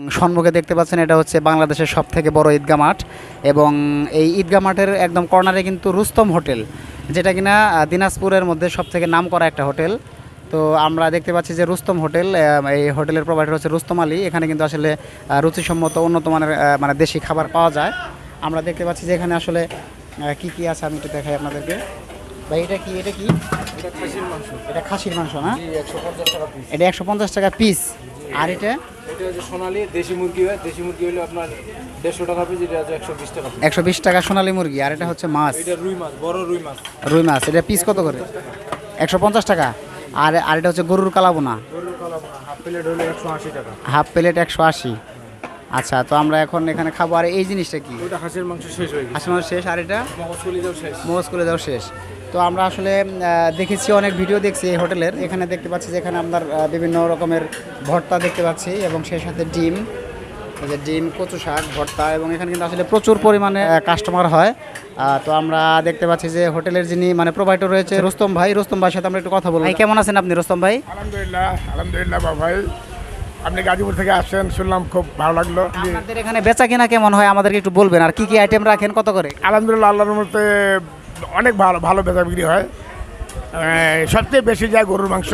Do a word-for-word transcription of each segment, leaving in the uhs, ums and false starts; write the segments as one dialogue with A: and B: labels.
A: সম্মুখে দেখতে পাচ্ছেন এটা হচ্ছে বাংলাদেশের সবথেকে বড় ঈদগাহ মাঠ এবং এই ঈদগাহ মাঠের একদম কর্নারে কিন্তু রুস্তম হোটেল, যেটা কিনা দিনাজপুরের মধ্যে সবথেকে নামকরা একটা হোটেল। তো আমরা দেখতে পাচ্ছি যে রুস্তম হোটেল, এই হোটেলের প্রোভাইডার হচ্ছে রুস্তম আলী। এখানে কিন্তু আসলে রুচিসম্মত উন্নত মানের মানে দেশি খাবার পাওয়া যায়। আমরা দেখতে পাচ্ছি যে এখানে আসলে কি কি আছে আমি একটু দেখাই আপনাদেরকে। ভাই এটা কি এটা কি
B: এটা খাসির মাংস।
A: এটা খাসির মাংস না?
B: জি, একশো পঞ্চাশ টাকা পিস।
A: এটা একশো পঞ্চাশ টাকা পিস। আর এটা
B: এটা হচ্ছে সোনালী দেশি মুরগি হয়। দেশি মুরগি হলে আপনার দেড়শো টাকা পিস, এটা আছে একশো বিশ টাকা পিস।
A: একশো বিশ টাকা সোনালী মুরগি। আর এটা হচ্ছে মাছ,
B: এটা রুই মাছ, বড় রুই মাছ।
A: রুই মাছ এটা পিস কত করে? একশো পঞ্চাশ টাকা। আর আর এটা হচ্ছে গরুর কালাবোনা,
B: গরুর কালাবোনা হাফ প্লেট হলে একশো আশি টাকা।
A: হাফ প্লেট একশো আশি। আচ্ছা, তো আমরা এখন এখানে খাবো। আর এই জিনিসটা কি?
B: ওটা হাঁসের মাংস শেষ হয়ে গেছে,
A: হাঁসের মাংস শেষ। আর এটা
B: মগজ কলিজাও শেষ।
A: মোজ করে দাও শেষ। তো আমরা আসলে আহ, দেখেছি, অনেক ভিডিও দেখছি এই হোটেলের। এখানে দেখতে পাচ্ছি যে এখানে আপনার আহ, বিভিন্ন রকমের ভর্তা দেখতে পাচ্ছি এবং সেই সাথে ডিম, এই যে ডিম, কচু শাক, ভর্তা, এবং এখানে কিন্তু আসলে প্রচুর পরিমাণে কাস্টমার হয়। আহ, তো আমরা দেখতে পাচ্ছি যে হোটেলের যিনি মানে প্রোভাইডার রয়েছে রুস্তম ভাই। রুস্তম ভাইয়ের সাথে আমরা একটু কথা বলবো। ভাই কেমন আছেন আপনি রুস্তম ভাই?
C: আলহামদুলিল্লাহ আলহামদুলিল্লাহ বাবা ভাই, আপনি গাজীপুর থেকে আসছেন শুনলাম, খুব ভালো লাগলো।
A: আপনাদের এখানে বেচা কিনা কেমন হয় আমাদেরকে একটু বলবেন, আর কি কি আইটেম রাখেন, কত করে?
C: আলহামদুলিল্লাহ আল্লাহর মধ্যে অনেক ভালো ভালো বেচা বিক্রি হয়। আহ, সবচেয়ে বেশি যায় গরুর মাংস।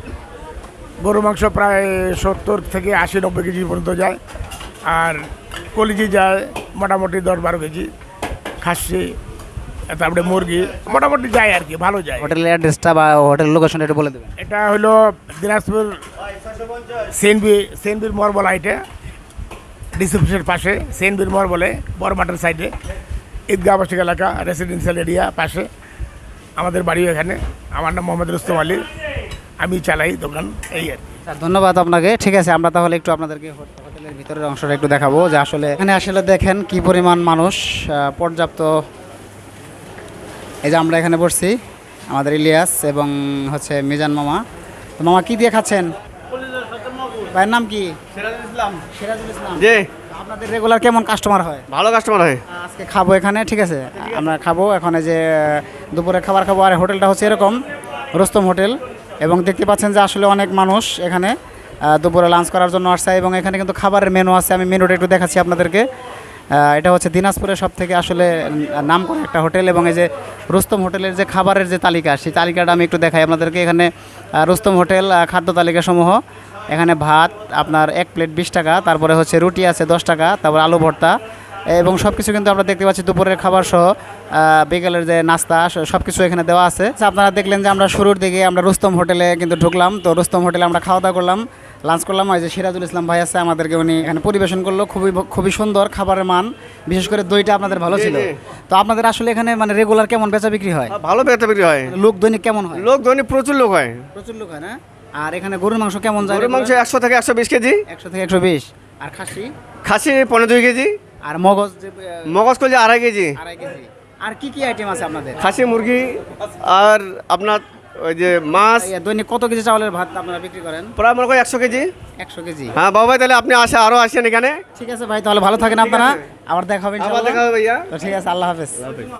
C: গরুর মাংস প্রায় সত্তর থেকে আশি নব্বই কেজি পর্যন্ত যায়। আর কলিজি যায় মোটামুটি দশ বারো কেজি। খাসি, তারপরে মুরগি মোটামুটি যায় আর কি, ভালো যায়।
A: হোটেলের অ্যাড্রেসটা বা হোটেলের লোকেশনটা একটু বলে দেবেন।
C: এটা হলো দিনাজপুর সেনবি সেনবির মোড় বলা, এটা ডিসিপ্লিনের পাশে সেনবির মোড় বলে, বড় মাঠের সাইডে ঈদগাহ আবাসিক এলাকা, রেসিডেন্সিয়াল এরিয়া পাশে আমাদের বাড়ি এখানে। আমার নাম মোহাম্মদ রুস্তম আলী, আমি চালাই দোকান, এই আর কি।
A: স্যার ধন্যবাদ আপনাকে। ঠিক আছে, আমরা তাহলে একটু আপনাদেরকে হোট- হোটেলের ভিতরের অংশটা একটু দেখাবো যে আসলে এখানে আসলে দেখেন কি পরিমাণ মানুষ, আহ, পর্যাপ্ত। এই যে আমরা এখানে বসছি, আমাদের ইলিয়াস এবং হচ্ছে মিজান মামা। তো মামা কি দিয়ে খাচ্ছেন? ভাইয়ের নাম কি?
B: সিরাজুল ইসলাম।
A: সিরাজুল ইসলাম।
B: জি,
A: আপনাদের রেগুলার কেমন কাস্টমার হয়?
B: ভালো কাস্টমার হয়।
A: আজকে খাবো এখানে, ঠিক আছে? আমরা খাবো এখন, এই যে দুপুরে খাবার খাবো। আর হোটেলটা হচ্ছে এরকম রুস্তম হোটেল, এবং দেখতে পাচ্ছেন যে আসলে অনেক মানুষ এখানে আহ, দুপুরে লাঞ্চ করার জন্য আসছে। এবং এখানে কিন্তু খাবারের মেনু আছে, আমি মেনুটা একটু দেখাচ্ছি আপনাদেরকে। আহ, এটা হচ্ছে দিনাজপুরের সব থেকে আসলে নাম করা একটা হোটেল, এবং এই যে রুস্তম হোটেলের যে খাবারের যে তালিকা, সেই তালিকাটা আমি একটু দেখাই আপনাদেরকে। এখানে আহ, রুস্তম হোটেল আহ, খাদ্য তালিকা সমূহ, এখানে ভাত আপনার এক প্লেট বিশ টাকা, তারপরে হচ্ছে রুটি আছে দশ টাকা, তারপর আলু ভর্তা, এবং সব কিছু কিন্তু আমরা দেখতে পাচ্ছি দুপুরের খাবার সহ আহ, বিকেলের যে নাস্তা সব কিছু এখানে দেওয়া আছে। আচ্ছা, আপনারা দেখলেন যে আমরা শুরুর দিকে আমরা রুস্তম হোটেলে কিন্তু ঢুকলাম। তো রুস্তম হোটেলে আমরা খাওয়া দাওয়া করলাম, লাঞ্চ করলাম। ওই যে সিরাজুল ইসলাম ভাই আছে, আমাদেরকে উনি এখানে পরিবেশন করলো। খুবই খুবই সুন্দর খাবারের মান, বিশেষ করে দইটা আপনাদের ভালো ছিল। তো আপনাদের আসলে এখানে মানে রেগুলার কেমন বেচা বিক্রি হয়?
B: ভালো বেচা বিক্রি হয়।
A: লোক দৈনিক কেমন হয়?
B: লোক দৈনিক প্রচুর লোক হয়।
A: প্রচুর লোক হয় না? আর এখানে গরুর মাংস কেমন যায়?
B: গরুর মাংস একশো থেকে একশো বিশ কেজি,
A: একশো থেকে একশো বিশ। আর খাসি?
B: খাসি পনেরো দুই কেজি,
A: আর মগজ যে, আহ,
B: মগজ কলি আড়াই কেজি।
A: আড়াই কেজি। আর কি কি আইটেম আছে আপনাদের?
B: খাসি, মুরগি, আর আপনার ওই যে মাছ।
A: এই দৈনিক কত কেজি চাউলের ভাত আপনারা বিক্রি করেন?
B: প্রায় মনে করি একশো কেজি।
A: একশো কেজি।
B: হ্যাঁ বাবা ভাই, তাহলে আপনি আসে আরও আসেন এখানে।
A: ঠিক আছে ভাই, তাহলে ভালো থাকেন আপনারা। আবার দেখা হবে
B: আবার
A: ইনশাআল্লাহ।
B: দেখা হবে ভাইয়া।
A: তো ঠিক আছে, আল্লাহ হাফেজ।